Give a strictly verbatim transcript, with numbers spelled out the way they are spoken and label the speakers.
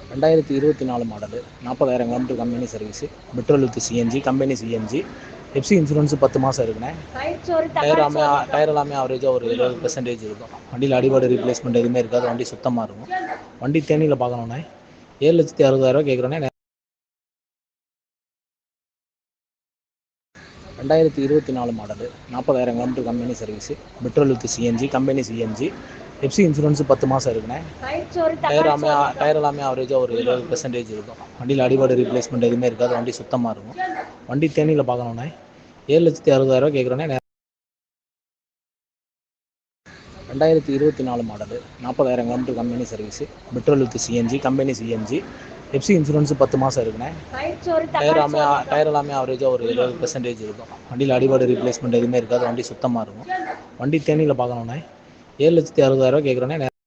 Speaker 1: ரெண்டாயிரத்தி இருபத்தி நாலு மாடலு நாற்பதாயிரம் kilometre company service petrol with CNG company CNG FC insurance பத்து மாதம் இருக்குண்ணே. டயர் எல்லாமே டயர் எல்லாமே ஆவரேஜாக ஒரு எழுபது பெர்சன்டேஜ் இருக்கும். வண்டியில் அடிபாடு ரீப்ளேஸ்மெண்ட் எதுவுமே இருக்காது. வண்டி சுத்தமாக இருக்கும். வண்டி தேனியில் பார்க்கணுண்ணே. ஏழு லட்சத்தி அறுபதாயிரரூவா கேட்குறோண்ணே. ரெண்டாயிரத்தி இருபத்தி நாலு மாடலு நாற்பதாயிரம் kilometre company service petrol with CNG company CNG FC insurance பத்து மாதம் இருக்குண்ணே. டயர் எல்லாமே டயர் எல்லாமே ஆவரேஜாக ஒரு எழுபது பெர்சன்டேஜ் இருக்கும். வண்டியில் அடிபாடு ரீப்ளேஸ்மெண்ட் எதுவுமே இருக்காது. வண்டி சுத்தமாக இருக்கும். வண்டி தேனியில் பார்க்கணுண்ணே. ஏழு லட்சத்தி அறுபதாயிரரூவா கேட்குறோண்ணே. ரெண்டாயிரத்தி இருபத்தி நாலு மாடலு நாற்பதாயிரம் kilometre company service petrol with CNG company CNG FC insurance பத்து மாதம் இருக்குண்ணே. டயர் எல்லாமே டயர் எல்லாமே ஆவரேஜாக ஒரு எழுபது பெர்சன்டேஜ் இருக்கும். வண்டியில் அடிபாடு ரீப்ளேஸ்மெண்ட் எதுவுமே இருக்காது. வண்டி சுத்தமாக இருக்கும். வண்டி தேனியில் பார்க்கணுண்ணே. ஏழு லட்சத்தி அறுபதாயிரரூவா கேட்குறோண்ணே.